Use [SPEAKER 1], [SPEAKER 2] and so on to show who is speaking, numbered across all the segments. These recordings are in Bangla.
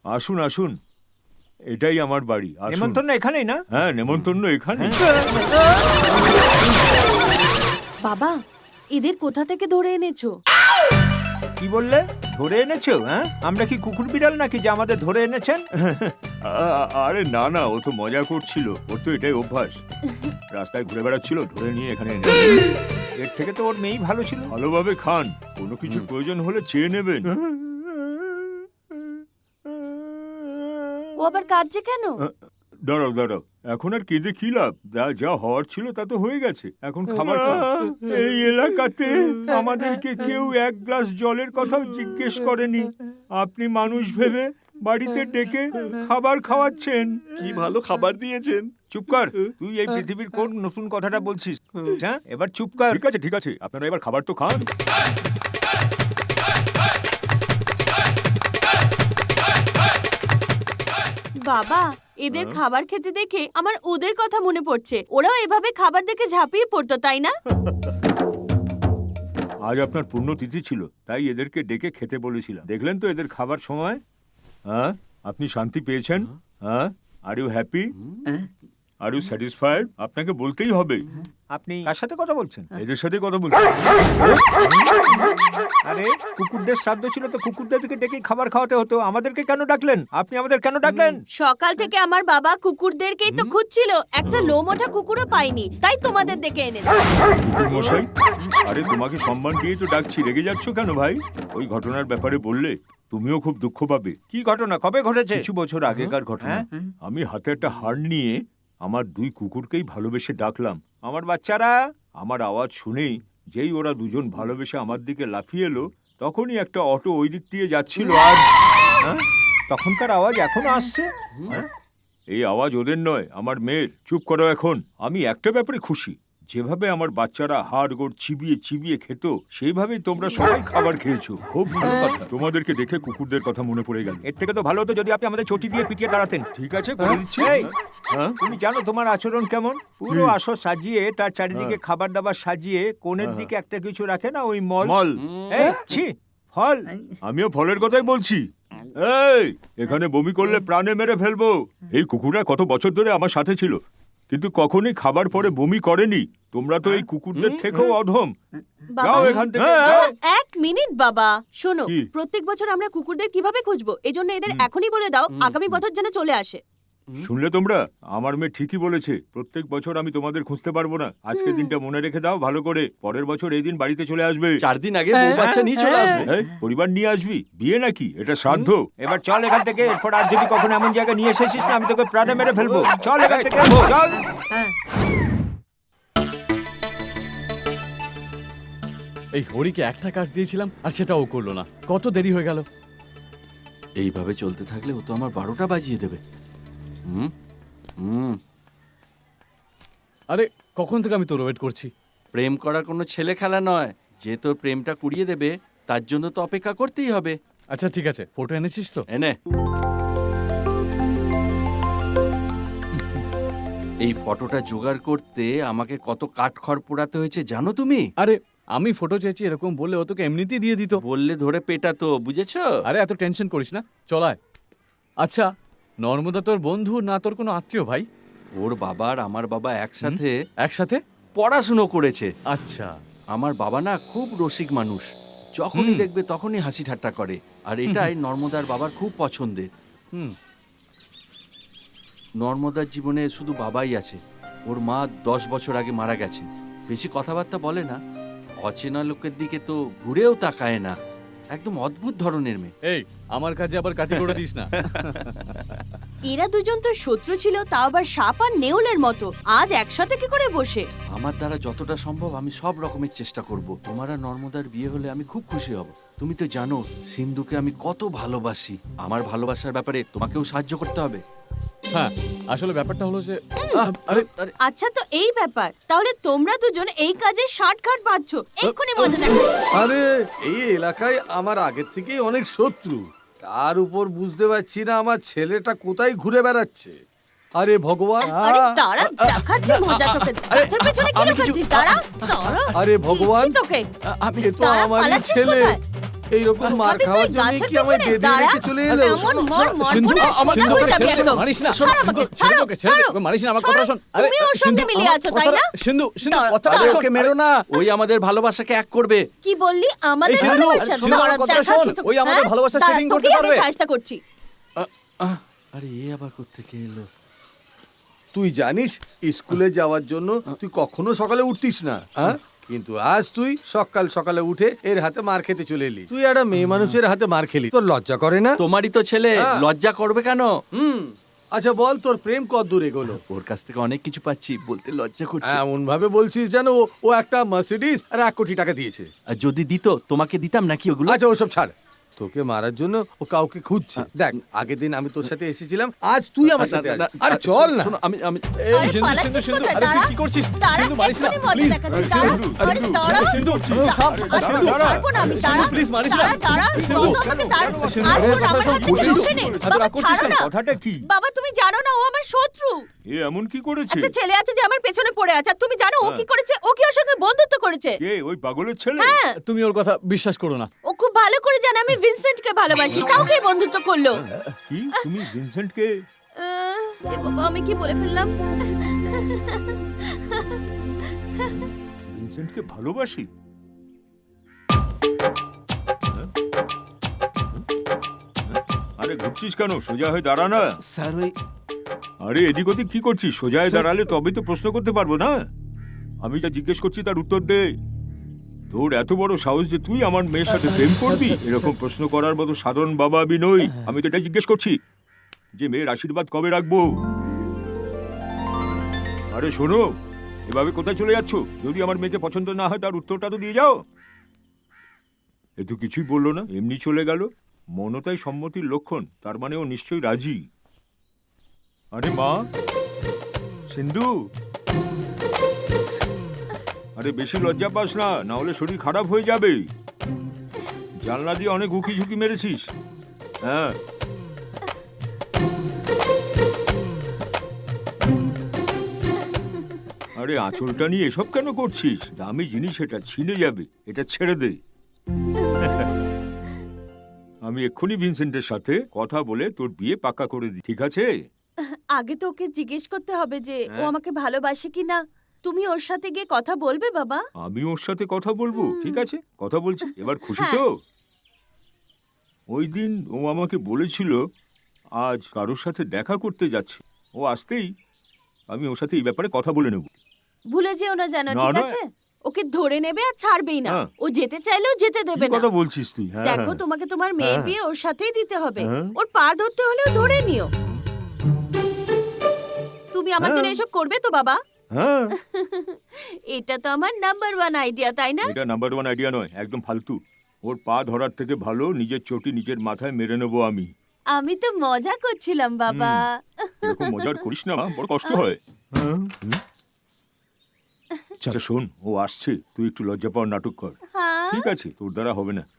[SPEAKER 1] আসুন আসুন, এটাই আমার বাড়ি। আসুন।
[SPEAKER 2] নেমন্তন্ন এখানেই না?
[SPEAKER 1] হ্যাঁ, নেমন্তন্ন এখানে।
[SPEAKER 3] বাবা, এদের কোথা থেকে ধরে এনেছো?
[SPEAKER 2] কি বললে? ধরে এনেছো? হ্যাঁ, আমরা কি কুকুর বিড়াল নাকি যে আমাদের ধরে এনেছেন?
[SPEAKER 1] আরে না না, ও তো মজা করছিল, ওর তো এটাই অভ্যাস। রাস্তায় ঘুরে বেড়াচ্ছিল, ধরে নিয়ে এখানে এনে
[SPEAKER 2] এর থেকে তো ওর মেয়েই ভালো ছিল।
[SPEAKER 1] ভালোভাবে খান, কোনো কিছুর প্রয়োজন হলে চেয়ে নেবেন।
[SPEAKER 3] ও আবার কাঁদছে কেন?
[SPEAKER 1] দাঁড়াও দাঁড়াও, এখন আর কেঁদে কি লাভ? যা যা হওয়ার ছিল তা তো হয়ে গেছে, এখন খাবার খান। এই এলাকাতে আমাদেরকে কেউ এক গ্লাস জলের কথাও জিজ্ঞেস করেনি, আপনি মানুষ ভেবে বাড়িতে ডেকে খাবার খাওয়াচ্ছেন।
[SPEAKER 4] কি ভালো খাবার দিয়েছেন।
[SPEAKER 2] চুপ কর, তুই এই পৃথিবীর কোন নতুন কথাটা বলছিস? হ্যাঁ, এবার চুপ কর।
[SPEAKER 1] ঠিক আছে ঠিক আছে, আপনারা এবার খাবার তো খান।
[SPEAKER 3] বাবা, এদের খাবার খেতে দেখে আমার ওদের কথা মনে পড়ছে। ওরাও এভাবে খাবার দেখে ঝাঁপিয়ে পড়তো, তাই না?
[SPEAKER 1] আজ আপনার পুণ্যতিথি ছিল, তাই এদেরকে ডেকে খেতে বলেছিলাম। দেখলেন তো এদের খাবার সময়। হ্যাঁ, আপনি শান্তি পেয়েছেন? হ্যাঁ, are you happy? Are you satisfied? আপনাকে বলতেই হবে।
[SPEAKER 2] আপনি কার সাথে কথা বলছেন?
[SPEAKER 1] এদের সাথে কথা বলছি।
[SPEAKER 2] আরে, কুকুরদের শ্রাদ্ধ ছিল তো কুকুরদেরকে ডেকে খাবার খাওয়াতে হতো, আমাদেরকে কেন ডাকলেন? আপনি আমাদের কেন ডাকলেন?
[SPEAKER 3] সকাল থেকে আমার বাবা কুকুরদেরকেই তো খুঁজছিল, একটা লোম ওঠা কুকুরও পাইনি, তাই তোমাদের দেখে এনেছে।
[SPEAKER 1] কুকুর মশাই, আরে তোমাকে সম্মান দিয়ে তো ডাকছি, রেগে যাচ্ছ কেন ভাই? ওই ঘটনার ব্যাপারে বললে তুমিও খুব দুঃখ পাবে।
[SPEAKER 2] কি ঘটনা? কবে ঘটেছে?
[SPEAKER 1] কিছু বছর আগেকার ঘটনা।
[SPEAKER 2] হ্যাঁ?
[SPEAKER 1] আমি হাতে একটা হাড় নিয়ে আমার দুই কুকুরকেই ভালোবেসে ডাকলাম।
[SPEAKER 2] আমার বাচ্চারা।
[SPEAKER 1] আমার আওয়াজ শুনেই যেই ওরা দুজন ভালোবেসে আমার দিকে লাফিয়ে এলো, তখনই একটা অটো ওই দিক দিয়ে যাচ্ছিল। আর
[SPEAKER 2] হ্যাঁ? তখনকার আওয়াজ এখনো আসছে?
[SPEAKER 1] হ্যাঁ? এই আওয়াজ ওদের নয়, আমার মেয়ের। চুপ করো এখন। আমি একটা ব্যাপারে খুশি, যেভাবে আমার বাচ্চারা হাড় গোড় চিবিয়ে চিবিয়ে খেত, সেইভাবেই তোমরা সবাই খাবার খেয়েছো। খুব ভালো কথা। তোমাদেরকে দেখে কুকুরদের কথা মনে পড়ে গেল।
[SPEAKER 2] এর থেকে তো ভালো হতো যদি আপনি আমাদের চটি দিয়ে পিটিয়ে দাঁড়াতেন।
[SPEAKER 1] ঠিক আছে, করে দিচ্ছি।
[SPEAKER 2] এই,
[SPEAKER 1] হ্যাঁ?
[SPEAKER 2] তুমি জানো তোমার আচরণ কেমন? পুরো আসর সাজিয়ে তার চারিদিকে খাবার দাবার সাজিয়ে কোণের দিকে একটা কিছু রাখে না, ওই মল।
[SPEAKER 1] মল।
[SPEAKER 2] এই, ছি, ফল।
[SPEAKER 1] আমিও ফলের কথাই বলছি। এই, এখানে বমি করলে প্রাণে মেরে ফেলবো। এই কুকুররা কত বছর ধরে আমার সাথে ছিল, কিন্তু কখনোই খাবার পরে বমি করেনি। তোমরা তো এই কুকুরদের থেকেও অধম।
[SPEAKER 3] বাবা,
[SPEAKER 1] যাও এখান থেকে, যাও।
[SPEAKER 3] এক মিনিট বাবা, শোনো,
[SPEAKER 1] কি?
[SPEAKER 3] প্রত্যেক বছর আমরা কুকুরদের কিভাবে খুঁজবো, এজন্য এদের এখনই বলে দাও আগামী বছর যেন চলে আসে।
[SPEAKER 1] শুনলে তোমরা, আমার মেয়ে ঠিকই বলেছে। প্রত্যেক বছর আমি তোমাদের খুঁজতে পারবো না। আজকের দিনটা মনে রেখে দাও ভালো করে। পরের বছর এই দিন বাড়িতে চলে আসবে।
[SPEAKER 4] 4 দিন আগে বউ বাচ্চা নিয়ে চলে আসবে।
[SPEAKER 1] এই, পরিবার নিয়ে আসবি? বিয়ে নাকি? এটা শ্রাদ্ধ।
[SPEAKER 2] এবার চল এখান থেকে, এরপর আর যদি কখনো এমন জায়গায় নিয়ে এসেছিস না, আমি তোকে প্রাণে মেরে ফেলবো। চল এখান থেকে, চল।
[SPEAKER 5] এই হরিকে একটা কাজ দিয়েছিলাম আর সেটাও করলো না, কত দেরি হয়ে গেল।
[SPEAKER 4] এইভাবে চলতে থাকলে ও তো আমার 12টা বাজিয়ে দেবে। হুম হুম
[SPEAKER 5] আরে কখন থেকে আমি তোর ওয়েট করছি।
[SPEAKER 4] প্রেম করা কোনো ছেলে খেলা নয়, যে তোর প্রেমটা কুড়িয়ে দেবে তার জন্য তো অপেক্ষা করতেই হবে।
[SPEAKER 5] আচ্ছা ঠিক আছে, ফটো এনেছিস তো?
[SPEAKER 4] এনে এই ফটোটা জোগাড় করতে আমাকে কত কাঠখড় পোড়াতে হয়েছে জানো তুমি?
[SPEAKER 5] আরে আমি ফটো চেয়েছি এরকম বললে ও তোকে এমনিতেই দিয়ে দিত।
[SPEAKER 4] বললে ধরে পেটাতো, বুঝেছো?
[SPEAKER 5] আরে এত টেনশন করিস না, চলায়। আচ্ছা, নর্মদা তোর বন্ধু না তোর কোনো আত্মীয় ভাই?
[SPEAKER 4] ওর বাবা আর আমার বাবা একসাথে
[SPEAKER 5] একসাথে
[SPEAKER 4] পড়াশুনো করেছে।
[SPEAKER 5] আচ্ছা।
[SPEAKER 4] আমার বাবা না খুব রসিক মানুষ, যখনই দেখবে তখনই হাসি ঠাট্টা করে, আর এটাই নর্মদার বাবার খুব পছন্দের।
[SPEAKER 5] হুম।
[SPEAKER 4] নর্মদার জীবনে শুধু বাবাই আছে। ওর মা 10 বছর আগে মারা গেছেন। বেশি কথাবার্তা বলে না, অচেনা লোকের দিকে তো ঘুরেও তাকায় না। একদম অদ্ভুত ধরনের মেয়ে।
[SPEAKER 5] এই, আমার কাজে আবার কাটি করে দিস না।
[SPEAKER 3] এরা দুজন তো শত্রু ছিল, তাও আবার সাপ আর নেউলের মতো। আজ একসাথে কি করে বসে?
[SPEAKER 4] আমার দ্বারা যতটা সম্ভব আমি সব রকমের চেষ্টা করব। তোমার আর নর্মদার বিয়ে হলে আমি খুব খুশি হব। তুমি তো জানো সিন্ধুকে আমি কত ভালোবাসি। আমার ভালোবাসার ব্যাপারে তোমাকেও সাহায্য করতে হবে।
[SPEAKER 5] হ্যাঁ, আসলে ব্যাপারটা হলো যে আরে
[SPEAKER 4] আরে
[SPEAKER 3] আচ্ছা, তো এই ব্যাপার, তাহলে তোমরা দুজন এই কাজে ষাটঘাট বাঁধছো, এক্ষুনি মজা দেখো।
[SPEAKER 6] আরে এই এলাকায় আমার আগের থেকেই অনেক শত্রু, তার উপর বুঝতে পারছি না আমার ছেলেটা কোথায় ঘুরে বেড়াচ্ছে। আরে ভগবান,
[SPEAKER 3] আরে দাঁড়া, দেখাচ্ছি মজা তোকে। গাছের পেছনে কি লুকাচ্ছিস? দাঁড়া, দাঁড়া।
[SPEAKER 6] আরে ভগবান,
[SPEAKER 3] দিচ্ছি তোকে।
[SPEAKER 6] এ তো
[SPEAKER 3] দাঁড়া,
[SPEAKER 6] আমারই
[SPEAKER 3] পালাচ্ছিস
[SPEAKER 6] ছেলে।
[SPEAKER 3] কোথায়?
[SPEAKER 6] এইরকম মার
[SPEAKER 3] তবে
[SPEAKER 6] খাওয়ার
[SPEAKER 3] তুই
[SPEAKER 6] জন্য
[SPEAKER 3] গাছের
[SPEAKER 6] কি আমায়
[SPEAKER 3] পেছনে
[SPEAKER 6] বেঁধে
[SPEAKER 3] দাঁড়া।
[SPEAKER 6] রেখে চলে এলো?
[SPEAKER 3] এমন
[SPEAKER 6] শোনো,
[SPEAKER 3] মর
[SPEAKER 6] শোনো,
[SPEAKER 3] মর
[SPEAKER 5] সিন্ধু,
[SPEAKER 3] করে
[SPEAKER 5] আমার
[SPEAKER 3] সোজা হয়ে যাবি একদম।
[SPEAKER 5] মারিস না
[SPEAKER 3] ছাড় আমাকে, ছাড়ো,
[SPEAKER 5] সিন্ধুকে ছেড়ে দে,
[SPEAKER 3] ছাড়ো,
[SPEAKER 5] ওকে মারিস না, আমার কথা
[SPEAKER 3] ছাড়ো।
[SPEAKER 5] শোন। আরে
[SPEAKER 3] তুমি ওর সঙ্গে
[SPEAKER 5] সিন্ধু,
[SPEAKER 3] মিলিয়ে
[SPEAKER 5] আমার
[SPEAKER 3] আছো, তাই
[SPEAKER 5] কথাটা-
[SPEAKER 3] না?
[SPEAKER 5] সিন্ধু, কথাটা
[SPEAKER 4] আরে
[SPEAKER 5] শোন।
[SPEAKER 4] ওকে মেরো না, ওই আমাদের ভালোবাসাকে এক করবে।
[SPEAKER 3] কি বললি আমাদের
[SPEAKER 5] এই সিন্ধু,
[SPEAKER 3] ভালোবাসা?
[SPEAKER 5] সিন্ধু, আমার
[SPEAKER 3] দাঁড়া,
[SPEAKER 5] কথাটা
[SPEAKER 3] দেখাচ্ছি
[SPEAKER 5] শোন।
[SPEAKER 3] তোকে,
[SPEAKER 5] ওই আমাদের
[SPEAKER 3] হ্যাঁ?
[SPEAKER 5] ভালোবাসা
[SPEAKER 3] দাঁড়া,
[SPEAKER 5] setting করতে
[SPEAKER 3] তোকেই আগে
[SPEAKER 5] পারবে।
[SPEAKER 3] সাহায্য করছি।
[SPEAKER 4] আরে এ আবার কোত্থেকে এলো?
[SPEAKER 6] তুই জানিস স্কুলে যাওয়ার জন্য তুই কখনো সকালে উঠতিস না, হ্যাঁ? কিন্তু আজ তুই সকাল সকালে উঠে এর হাতে মার খেতে চলে এলি। তুই একটা মেয়ে মানুষের হাতে মার খেলি, তোর লজ্জা করে না?
[SPEAKER 4] তোমারই তো ছেলে,
[SPEAKER 6] হ্যাঁ।
[SPEAKER 4] লজ্জা করবে কেন?
[SPEAKER 6] আচ্ছা বল, তোর প্রেম কত দূর এগোলো?
[SPEAKER 4] ওর কাছ থেকে অনেক কিছু পাচ্ছি, বলতে লজ্জা করছে।
[SPEAKER 6] এমন ভাবে বলছিস যেন ও একটা মার্সিডিজ আর 1 কোটি টাকা দিয়েছে।
[SPEAKER 4] আর যদি দিত তোমাকে দিতাম নাকি ওগুলো?
[SPEAKER 6] আচ্ছা ওসব ছাড়, তোকে মারার জন্য ও কাউকে খুঁজছে। দেখ, আগের দিন আমি তোর সাথে এসেছিলাম, আজ তুই আমার সাথে
[SPEAKER 4] না,
[SPEAKER 6] আছিস। আরে চল না।
[SPEAKER 4] শোনো, আমি
[SPEAKER 5] এই
[SPEAKER 3] আরে
[SPEAKER 5] সিন্ধু,
[SPEAKER 3] পালাচ্ছিস
[SPEAKER 5] সিন্ধু,
[SPEAKER 3] কোথায়?
[SPEAKER 5] আরে তুই
[SPEAKER 3] দাঁড়া।
[SPEAKER 5] কি করছিস?
[SPEAKER 3] দাঁড়া,
[SPEAKER 5] সিন্ধু, মারিস না,
[SPEAKER 3] এক্ষুনি মজা
[SPEAKER 5] প্লিজ।
[SPEAKER 3] দেখাচ্ছি, দাঁড়া। আরে দাঁড়া।
[SPEAKER 5] সিন্ধু,
[SPEAKER 3] দাঁড়া,
[SPEAKER 5] থাম,
[SPEAKER 3] আজ
[SPEAKER 5] সিন্ধু,
[SPEAKER 3] তোকে ছাড়বো না আমি, দাঁড়া।
[SPEAKER 5] প্লিজ মারিস না।
[SPEAKER 3] দাঁড়া,
[SPEAKER 5] সিন্ধু,
[SPEAKER 3] বন্ধ করতে দাঁড়া।
[SPEAKER 5] সিন্ধু,
[SPEAKER 3] আজ
[SPEAKER 5] আরে
[SPEAKER 3] তোর আমার
[SPEAKER 5] কথা
[SPEAKER 3] হাতে
[SPEAKER 5] শোন,
[SPEAKER 3] ছাড়বে নে।
[SPEAKER 5] এত
[SPEAKER 3] বাবা,
[SPEAKER 5] রাগ করছিস
[SPEAKER 3] ছাড়ো
[SPEAKER 5] কেন?
[SPEAKER 3] না।
[SPEAKER 1] কথাটা কি?
[SPEAKER 3] বাবা, তুমি জানো না ও আমার শত্রু।
[SPEAKER 1] এ এমন কি করেছে?
[SPEAKER 3] একটা ছেলে আছে যে আমার পেছনে পড়ে আছে, আর তুমি জানো ও
[SPEAKER 1] হ্যাঁ।
[SPEAKER 3] কি করেছে? ও কি ওর সঙ্গে বন্ধুত্ব করেছে?
[SPEAKER 1] কে ওই পাগলের ছেলে?
[SPEAKER 3] হ্যাঁ,
[SPEAKER 5] তুমি ওর কথা বিশ্বাস করো না।
[SPEAKER 3] ও খুব ভালো করে জানে আমি ভিনসেন্টকে ভালোবাসি। কাউকে বন্ধুত্ব করলো।
[SPEAKER 1] কি তুমি ভিনসেন্টকে?
[SPEAKER 3] এ বাবা, আমি কি বলে ফেললাম?
[SPEAKER 1] ভিনসেন্টকে ভালোবাসি? আরে ঘুরছিস কেন? সোজা হয়ে দাঁড়া না।
[SPEAKER 4] স্যার ওই
[SPEAKER 1] আরে এদিক ওদিক কি করছিস? সোজা হয়ে দাঁড়ালে তবেই তো প্রশ্ন করতে পারবো না। আমি যা জিজ্ঞেস করছি তার উত্তর দে। তোর এত বড় সাহস যে তুই আমার মেয়ের সাথে প্রেম করবি? এরকম প্রশ্ন করার মতো সাধারণ বাবা আমি নই। আমি তো এটা জিজ্ঞেস করছি যে মেয়ের আশীর্বাদ কবে রাখবো। আরে শোনো, এভাবে কোথায় চলে যাচ্ছ? যদি আমার মেয়েকে পছন্দ না হয় তার উত্তরটা তো দিয়ে যাও। এ তো কিছুই বললো না, এমনি চলে গেল। মনতাই সম্মতির লক্ষণ, তার মানে ও নিশ্চয়ই রাজি। আরে মা, সিন্ধু, আরে বেশি লজ্জা পাস না, না হলে শরীর খারাপ হয়ে যাবে। জানলা দিয়ে অনেক উকি ঝুঁকি মেরেছিস। হ্যাঁ, আরে আঁচলটা নিয়ে এসব কেন করছিস? দামি জিনিস, এটা ছিঁড়ে যাবে, এটা ছেড়ে দে। আমি এক্ষুনি ভিনসেন্টের সাথে কথা বলে তোর বিয়ে পাক্কা করে দিই, ঠিক আছে?
[SPEAKER 3] আগে তো ওকে জিজ্ঞেস করতে হবে যে ও
[SPEAKER 1] হ্যাঁ।
[SPEAKER 3] আমাকে ভালোবাসে কিনা। তুমি ওর সাথে গিয়ে কথা বলবে বাবা?
[SPEAKER 1] আমি ওর সাথে কথা বলবো, ঠিক আছে? কথা বলছি, এবার খুশি
[SPEAKER 3] হ্যাঁ।
[SPEAKER 1] তো? ওই দিন ও আমাকে বলেছিল আজ কারোর সাথে দেখা করতে যাচ্ছে। ও আসতেই আমি ওর সাথে এই ব্যাপারে কথা বলে নেব।
[SPEAKER 3] ভুলে যেও না যেন,
[SPEAKER 1] না,
[SPEAKER 3] ঠিক
[SPEAKER 1] না।
[SPEAKER 3] আছে? ওকে ধরে নেবে আর ছাড়বেই না।
[SPEAKER 1] হ্যাঁ।
[SPEAKER 3] ও যেতে চাইলেও যেতে
[SPEAKER 1] কি
[SPEAKER 3] দেবে না।
[SPEAKER 1] কথা বলছিস তুই? হ্যাঁ,
[SPEAKER 3] দেখো,
[SPEAKER 1] হ্যাঁ।
[SPEAKER 3] তোমাকে তোমার মেয়ের
[SPEAKER 1] হ্যাঁ।
[SPEAKER 3] বিয়ে ওর সাথেই দিতে হবে।
[SPEAKER 1] হ্যাঁ।
[SPEAKER 3] ওর পা ধরতে হলেও ধরে নিও। তুমি আমার জন্য
[SPEAKER 1] হ্যাঁ।
[SPEAKER 3] এসব করবে তো বাবা?
[SPEAKER 1] হ্যাঁ,
[SPEAKER 3] এটা তো আমার নাম্বার 1 আইডিয়া, তাই না?
[SPEAKER 1] এটা নাম্বার 1 আইডিয়া নয়, একদম ফালতু। ওর পা ধরার থেকে ভালো নিজের চটি নিজের মাথায় মেরে নেবো আমি।
[SPEAKER 3] আমি তো মজা করছিলাম বাবা।
[SPEAKER 1] এরকম মজার করিস না মা, বড় কষ্ট হয়। আচ্ছা শোন, ও আসছে, তুই একটু লজ্জা পাওয়ার নাটক কর।
[SPEAKER 3] হ্যাঁ।
[SPEAKER 1] ঠিক আছে, তোর দ্বারা হবে না।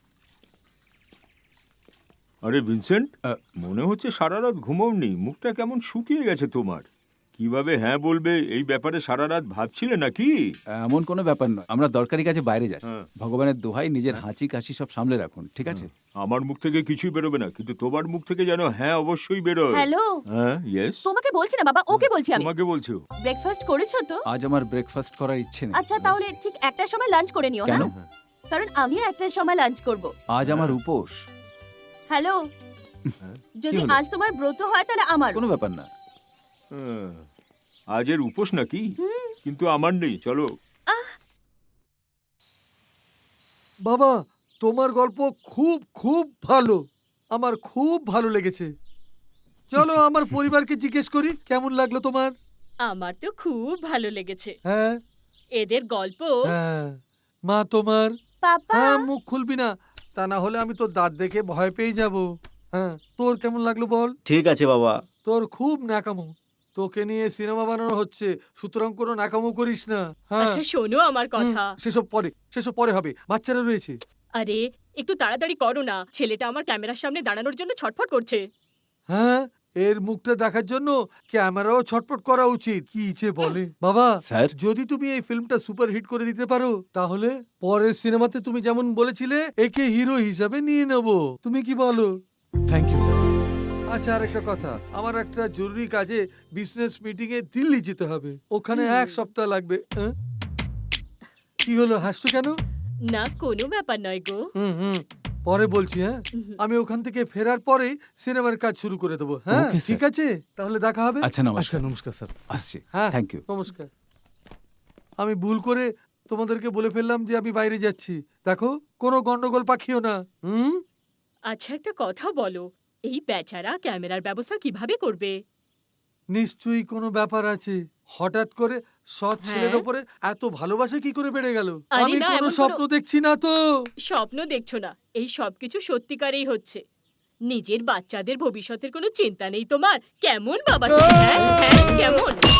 [SPEAKER 1] আরে ভিনসেন্ট, মনে হচ্ছে সারা রাত ঘুমোওনি, মুখটা কেমন শুকিয়ে গেছে তোমার। কিভাবে হ্যাঁ বলবে এই ব্যাপারে সারা রাত ভাবছিলে নাকি?
[SPEAKER 7] এমন কোনো ব্যাপার নয়, আমরা দরকারি কাজে বাইরে যাই।
[SPEAKER 1] হ্যাঁ।
[SPEAKER 7] ভগবানের দোহাই নিজের হাঁচি কাশি সব সামলে রাখুন, ঠিক আছে?
[SPEAKER 1] আমার মুখ থেকে কিছুই বেরোবে না, কিন্তু তোমার মুখ থেকে যেন হ্যাঁ অবশ্যই বেরোয়।
[SPEAKER 3] হ্যালো,
[SPEAKER 1] হ্যাঁ, ইয়েস।
[SPEAKER 3] তোমাকে বলছি না বাবা, ওকে বলছি আমি।
[SPEAKER 1] তোমাকে বলছো?
[SPEAKER 3] ব্রেকফাস্ট করেছো তো?
[SPEAKER 7] আজ আমার ব্রেকফাস্ট করার ইচ্ছে নেই।
[SPEAKER 3] আচ্ছা, তাহলে ঠিক একটার সময় লাঞ্চ করে নিও।
[SPEAKER 7] কেন?
[SPEAKER 3] হ্যাঁ, কারণ আমিও একটার সময় লাঞ্চ করব।
[SPEAKER 7] আজ আমার উপোস।
[SPEAKER 3] হ্যালো, যদি
[SPEAKER 7] হলো?
[SPEAKER 3] আজ তোমার ব্রত হয় তাহলে আমার।
[SPEAKER 7] কোনো ব্যাপার না।
[SPEAKER 1] হ্যাঁ, আজের উপোস নাকি? কিন্তু আমার নেই, চলো।
[SPEAKER 6] বাবা, তোমার গল্প খুব খুব ভালো, আমার খুব ভালো লেগেছে। চলো আমার পরিবারকে জিজ্ঞেস করি কেমন লাগলো তোমার।
[SPEAKER 8] আমার তো খুব ভালো লেগেছে
[SPEAKER 6] হ্যাঁ
[SPEAKER 8] এদের গল্প।
[SPEAKER 6] হ্যাঁ, মা তোমার?
[SPEAKER 3] পাপা,
[SPEAKER 6] হ্যাঁ, মুখ খুলবি না, তা না হলে আমি তোর দাঁত দেখে ভয় পেয়ে যাব। হ্যাঁ, তোর কেমন লাগলো বল?
[SPEAKER 9] ঠিক আছে বাবা।
[SPEAKER 6] তোর খুব ন্যাকামো, তোকে নিয়ে সিনেমা বানানো হচ্ছে, সুতরাং কোনো ন্যাকামো করিস না। হ্যাঁ,
[SPEAKER 8] আচ্ছা শোনো আমার কথা।
[SPEAKER 6] সেসব পরে হবে, বাচ্চারা রয়েছে।
[SPEAKER 8] আরে একটু তাড়াতাড়ি করো না, ছেলেটা আমার ক্যামেরার সামনে দাঁড়ানোর জন্য ছটফট করছে।
[SPEAKER 6] হ্যাঁ, এর মুখটা দেখার জন্য ক্যামেরাও ছটপট করা উচিত। কি যে বলে বাবা,
[SPEAKER 7] স্যার
[SPEAKER 6] যদি তুমি এই ফিল্মটা সুপার হিট করে দিতে পারো তাহলে পরের সিনেমাতে তুমি যেমন বলেছিলে একে হিরো হিসাবে নিয়ে নেব। তুমি কি বলো?
[SPEAKER 5] Thank you sir.
[SPEAKER 6] আচ্ছা, আর একটা কথা, আমার একটা জরুরি কাজে বিজনেস মিটিং এ দিল্লি যেতে হবে। ওখানে 1 সপ্তাহ লাগবে। কি হলো, হাসছো কেন?
[SPEAKER 8] না কোনো ব্যাপার নয় গো।
[SPEAKER 6] হুম, পরে বলছি। হ্যাঁ, আমি ওখান থেকে ফেরার পরেই সিনেমার কাজ শুরু করে দেবো। হ্যাঁ
[SPEAKER 7] Okay,
[SPEAKER 6] ঠিক আছে, তাহলে দেখা হবে।
[SPEAKER 7] আচ্ছা নমস্কার।
[SPEAKER 5] আচ্ছা নমস্কার স্যার।
[SPEAKER 7] আসছি।
[SPEAKER 6] হ্যাঁ
[SPEAKER 7] থ্যাংক ইউ।
[SPEAKER 6] নমস্কার। আমি ভুল করে তোমাদেরকে বলে ফেললাম যে আমি বাইরে যাচ্ছি। দেখো, কোনো গন্ডগোল পাখিও না।
[SPEAKER 8] আচ্ছা একটা কথা বলো, এই বেচারা ক্যামেরার ব্যবস্থা কিভাবে করবে?
[SPEAKER 6] নিশ্চয়ই কোনো ব্যাপার আছে। হঠাৎ করে সৎ ছেলের
[SPEAKER 8] হ্যাঁ?
[SPEAKER 6] ওপরে এত ভালোবাসা কি করে বেড়ে গেল?
[SPEAKER 8] আরে
[SPEAKER 6] আমি
[SPEAKER 8] না,
[SPEAKER 6] কোনো
[SPEAKER 8] এমন কোনো-
[SPEAKER 6] স্বপ্ন দেখছি না তো।
[SPEAKER 8] স্বপ্ন দেখছো না, এই সবকিছু সত্যিকারেই হচ্ছে। নিজের বাচ্চাদের ভবিষ্যতের কোনো চিন্তা নেই তোমার। কেমন বাবা তুমি, হ্যাঁ? হ্যাঁ, কেমন?